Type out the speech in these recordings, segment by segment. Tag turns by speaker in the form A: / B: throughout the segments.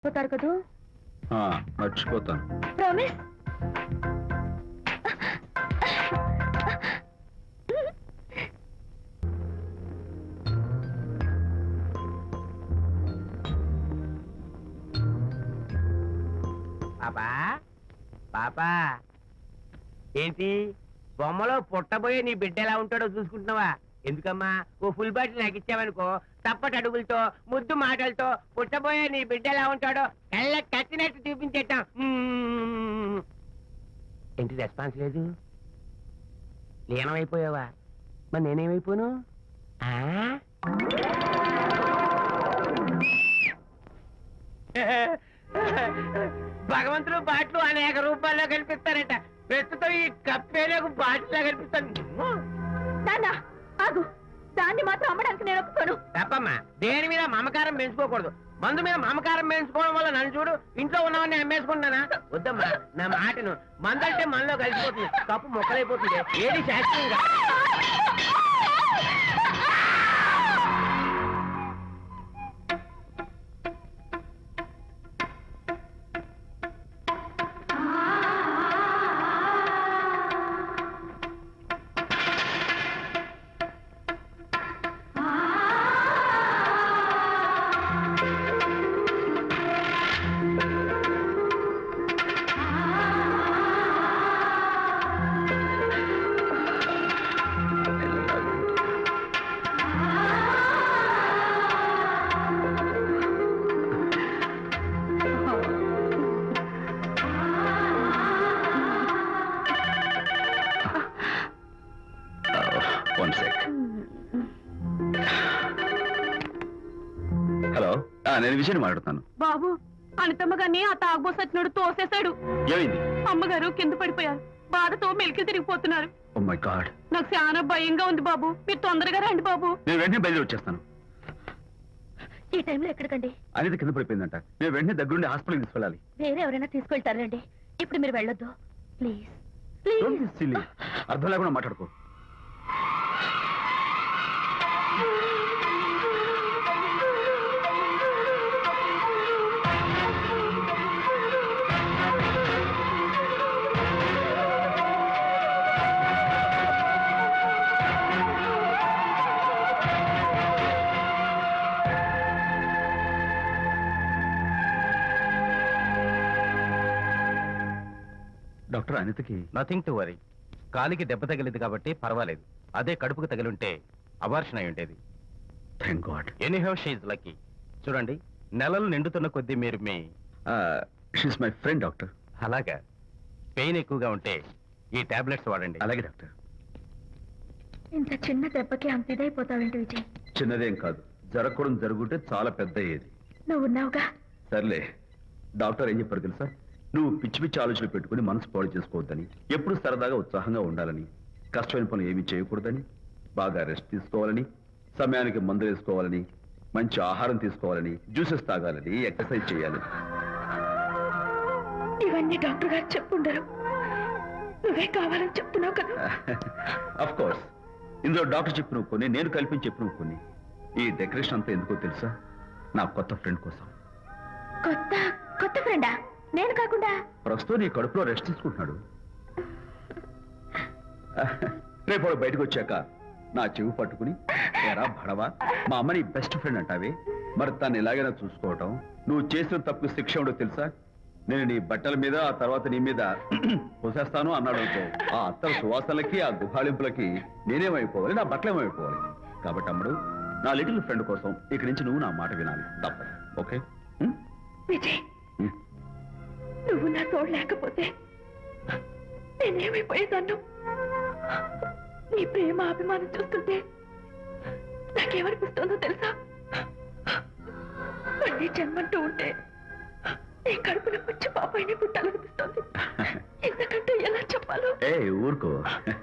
A: పోతారు కదూ?
B: మర్చిపోతాను.
A: ప్రామిస్?
C: పాపా పాపా, ఏంటి బొమ్మలో పుట్టబోయే నీ బిడ్డ ఎలా ఉంటాడో చూసుకుంటున్నావా? ఎందుకమ్మా, ఓ ఫుల్ బాటిల్ నాకు ఇచ్చావనుకో, తప్పటి అడుగులతో ముద్దు మాటలతో పుట్టబోయే నీ బిడ్డ ఎలా ఉంటాడో కళ్ళ కట్టినట్టు చూపించేటాం. ఏంటి రెస్పాన్స్ లేదు? లీనమైపోయావా? మరి నేనేమైపోను? భగవంతుడు బాట్లు అనేక రూపాల్లో కనిపిస్తారట. ప్రస్తుతం ఈ కప్పేలకు బాటిల్లా కనిపిస్తాను.
A: ఆగు, దాన్ని మాత్రం అమ్మడానికి నేను ఒప్పుకోను.
C: తప్పమ్మా, దేని మీద మమకారం పెంచుకోకూడదు. మందు మీద మమకారం పెంచుకోవడం వల్ల నన్ను చూడు, ఇంట్లో ఉన్నవన్నీ అమ్మేసుకుంటానా? వద్దమ్మా, నా మాటను. మందంటే మనలో కలిసిపోతుంది, కప్పు మొక్కలైపోతుంది. ఏది శాస్త్రీయంగా
B: హలో, నేను విషయం మాట్లాడుతాను.
A: బాబు, అనితమ్మ గారిని ఆ తాగుబోసచ్చినోడు తోసేశాడు.
B: ఏమైంది?
A: అమ్మగారు కింద పడిపోయారు. బాధతో మెలికి తిరిగిపోతున్నారు.
B: ఓ మై గాడ్,
A: నాకు చాలా భయంగా ఉంది బాబు. మీరు తొందరగా రండి బాబు.
B: నేను వెంటనే బయలుదేరి వచ్చేస్తాను.
A: ఈ టైంలో ఎక్కడికండి?
B: అనిత కింద పడిపోయిందంట. నేను వెంటనే దగ్గరుండి హాస్పిటల్కి తీసుకెళ్ళాలి.
A: వేరే ఎవరైనా తీసుకెళ్తారండి. ఇప్పుడు మీరు వెళ్ళొద్దు ప్లీజ్.
B: Don't be silly. అర్థం లేకుండా మాట్లాడుకో. డాక్టర్, అనితకి
D: నథింగ్ టు వరీ. కాలికి దెబ్బ తగిలింది కాబట్టి పర్వాలేదు. అదే కడుపుకు తగిలింటే అబార్షన్ అయి ఉండేది.
B: Thank god.
D: Anyhow she is lucky. చూడండి, నెలలు నిండుతున్న కొద్దీ మీరు మీ
B: షీస్ మై ఫ్రెండ్ డాక్టర్.
D: అలాగా, పెయిన్ ఎక్కువగా ఉంటే ఈ టాబ్లెట్స్ వాడండి.
B: అలాగే డాక్టర్.
A: ఇంత చిన్న దెబ్బకి అంత ఇదైపోతావేంటి విజయ్?
B: చిన్నదేం కాదు, జరగకూడదు జరుగుంటే చాలా పెద్ద అయ్యేది.
A: నువ్వు ఉన్నావుగా.
B: సర్లే, డాక్టర్ ఏం చెప్పారు తెలుసా? నువ్వు పిచ్చి పిచ్చి ఆలోచనలు పెట్టుకుని మనసు పాడు చేసుకోవద్దని, ఎప్పుడు సరదాగా ఉత్సాహంగా ఉండాలని, కష్టమైన పనులు ఏమీ చేయకూడదని, బాగా రెస్ట్ తీసుకోవాలని, సమయానికి మందులు వేసుకోవాలని, మంచి ఆహారం తీసుకోవాలని, జ్యూసెస్ తాగాలని, ఎక్సర్సైజ్ చేయాలి.
A: ఇవన్నీ డాక్టర్ గారు చెప్పుండరు, నువ్వే కావాలని చెప్తున్నావు కదా.
B: అఫ్ కోర్స్, ఇందులో డాక్టర్ చెప్పిన కొన్ని, నేను కల్పించి చెప్పిన కొన్ని. ఈ డెకరేషన్ అంతా ఎందుకో తెలుసా? నా కొత్త ఫ్రెండ్ కోసం.
A: కొత్త కొత్త ఫ్రెండా? నేను కాకుండా?
B: ప్రస్తుతం నీ కడుపులో రెస్ట్ తీసుకుంటున్నాడు. రేపు వాడు బయటకు వచ్చాక నా చెవి పట్టుకుని, ఎరా భడవా, మా అమ్మ నీ బెస్ట్ ఫ్రెండ్ అంటావే, మరి తను ఎలాగైనా చూసుకోవటం. నువ్వు చేసిన తప్పు శిక్ష ఉండో తెలుసా? నేను నీ బట్టల మీద, ఆ తర్వాత నీ మీద పోసేస్తాను అన్నాడు అనుకో, ఆ అత్తల సువాసనలకి, ఆ గుహాళింపులకి నేనేమైపోవాలి, నా బట్టలేమైపోవాలి. కాబట్టి అమ్ముడు, నా లిటిల్ ఫ్రెండ్ కోసం ఇక్కడి నుంచి నువ్వు నా మాట వినాలి, తప్పదు. ఓకే
A: విజయ్, నువ్వు నా తోడు లేకపోతే నేనేమైపోయేదాన్ను. నీ ప్రేమ అభిమానం చూస్తుంటే నాకేమనిపిస్తుందో తెలుసా? మళ్ళీ జన్మంటూ ఉంటే నీ కడుపున వచ్చి పాపాయిని పుట్టాలనిపిస్తుంది. ఎందుకంటే ఎలా చెప్పాలో.
B: ఏ ఊరుకో.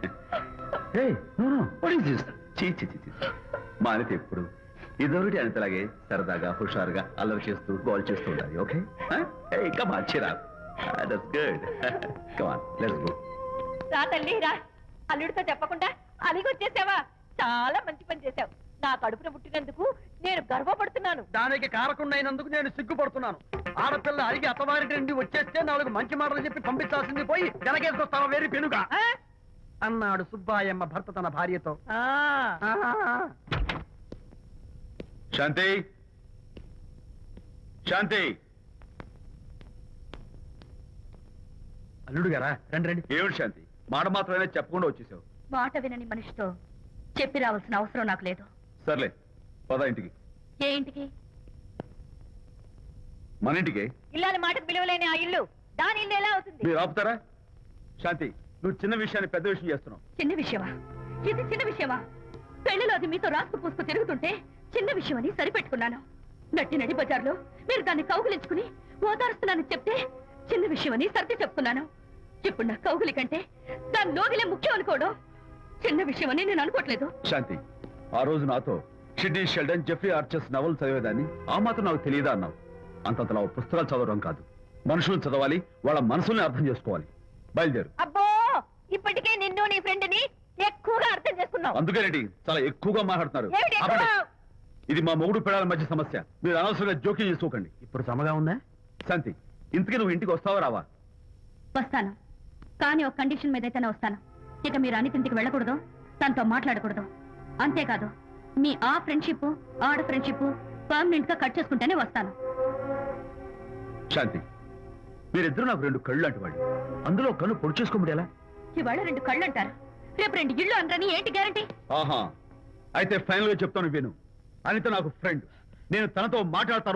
B: మా అనిత ఎప్పుడు ఇదొకటి అనితలాగే సరదాగా, హుషారుగా, అల్లరి చేస్తూ, గోల్ చేస్తూ ఉండాలి. Okay, come on, cheer up. That's good. Come on, let's go.
A: రా తల్లి రా. అల్లుడితో చెప్పకుండా అలిగొచ్చేసావా? చాలా మంచి పని చేశావు. నా కడుపున పుట్టినందుకు నేను గర్వపడుతున్నాను.
E: దానికి కారకుండైనందుకు నేను సిగ్గుపడుతున్నాను. ఆడపిల్ల అడిగి అత్తవారి నుండి వచ్చేస్తే 4 మంచి మాటలు చెప్పి పంపించాల్సింది పోయి వెనకేసుకొస్తావా వేరు పెనుగా
A: ఆ?
E: అన్నాడు సుబ్బాయమ్మ భర్త తన భార్యతో.
A: ఆ.
B: శాంతి శాంతి,
E: అల్లుడు గారా రండి రండి.
B: ఏమిటి శాంతి, మాట మాత్రమే చెప్పకుండా వచ్చేసావు?
A: మాట వినని మనిషితో చెప్పి రావాల్సిన అవసరం నాకు లేదు.
B: సర్లే, పద ఇంటికి.
A: ఏ ఇంటికి?
B: మన ఇంటికి.
A: ఇల్లాలి మాటకు విలువలేని ఆ ఇల్లు దాని ఇల్లు ఎలా అవుతుంది?
B: మీరు ఆపుతారా? శాంతి, నువ్వు చిన్న విషయాన్ని పెద్ద విషయం చేస్తున్నావు.
A: చిన్న విషయమా? ఇది చిన్న విషయమా? పెళ్లిలో అది మీతో రాసుకు పూసుకు తిరుగుతుంటే చిన్న విషయమని సరిపెట్టుకున్నాను. నడి బజార్లో మీరు దాన్ని కౌగులించుకుని ఓదారుస్తున్నానని చెప్తే చిన్న విషయమని సర్ది చెప్తున్నాను. ఇప్పుడు నా కౌగులి కంటే దాని లోగిలే ముఖ్యం అనుకోవడం చిన్న విషయమని నేను అనుకోవట్లేదు.
B: శాంతి, ఆ రోజు నాతో షిడ్నీ షెల్డన్, జెఫ్రీ ఆర్చర్స్ నవలు చదివేదాన్ని ఆ మాత్రం నాకు తెలియదా అన్నావు. అంతంతలా పుస్తకాలు చదవడం కాదు, మనుషులను చదవాలి, వాళ్ళ మనసుల్ని అర్థం చేసుకోవాలి. బయలుదేరు.
A: అబ్బో, ఇప్పటికే నిన్ను నీ ఫ్రెండ్ ని ఎక్కువగా అర్థం చేసుకున్నావు.
B: అందుకేనండి చాలా ఎక్కువగా మాట్లాడుతున్నారు.
A: ఏమిటి ఎక్కువ?
B: ఆపండి. ఇది మా మొగుడు పిల్లల మధ్య సమస్య, మీరు అనవసరంగా జోక్యం చేసుకోకండి.
E: ఇప్పుడు సమగా ఉందా?
B: శాంతి, ఇంతకీ నువ్వు ఇంటికి వస్తావా రావా?
A: వస్తాను, కానీ ఒక కండిషన్ మీద అయితేనే వస్తాను. ఇక మీరు అనితింటికి వెళ్ళకూడదు, తనతో మాట్లాడకూడదు. అంతేకాదు, మీ ఆ ఫ్రెండ్షిప్ ఆడ ఫ్రెండ్షిప్ పర్మనెంట్ గా కట్ చేసుకుంటేనే వస్తాను.
B: శాంతి, మీరిద్దరూ నాకు 2 కళ్ళు లాంటి వాళ్ళు. అందులో కళ్ళు పొడి చేసుకోమడి ఎలా?
A: ఇవాళ 2 కళ్ళు అంటారు, రేపు 2 ఇళ్ళు అంటారని ఏంటి గ్యారంటీ?
B: ఆహా, అయితే ఫైనల్ గా చెప్తాను విను. అనిత నాకు ఫ్రెండ్, నేను తనతో మాట్లాడతాను.